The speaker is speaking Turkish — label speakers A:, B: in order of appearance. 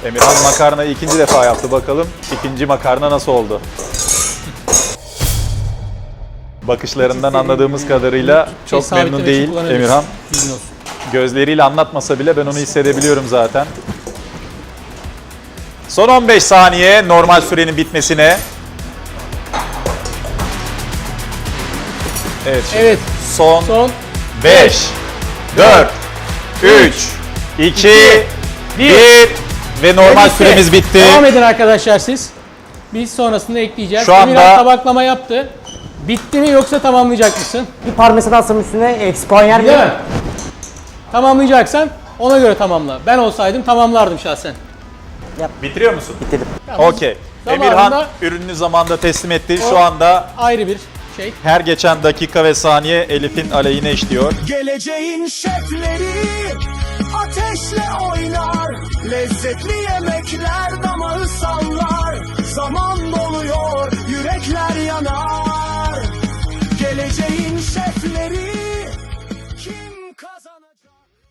A: Emirhan makarnayı ikinci defa yaptı. Bakalım ikinci makarna nasıl oldu? Bakışlarından anladığımız kadarıyla çok memnun değil Emirhan. Gözleriyle anlatmasa bile ben onu hissedebiliyorum zaten. Son 15 saniye normal sürenin bitmesine. Evet.
B: Evet.
A: Son 5, 4, 3, 2, 1 ve normal süremiz bitti.
B: Devam edin arkadaşlar siz. Biz sonrasında ekleyeceğiz.
A: Şu anda-
B: Emirhan tabaklama yaptı. Bitti mi yoksa tamamlayacak mısın?
C: Bir parmesan alsam üstüne eksi puan yer
B: Değil
C: miyim?
B: mi? Tamamlayacaksan ona göre tamamla. Ben olsaydım tamamlardım şahsen.
A: Bitiriyor musun?
C: Bitirdim.
A: Okey.
B: Zamanında-
A: Emirhan ürününü zamanında teslim etti. Şu anda
B: Ayrı bir şey.
A: her geçen dakika ve saniye Elif'in aleyhine işliyor.
D: Geleceğin şefleri ateşle oynar. Lezzetli yemekler damağı sallar. Zaman doluyor, yürekler yanar. Geleceğin şefleri kim kazanacak?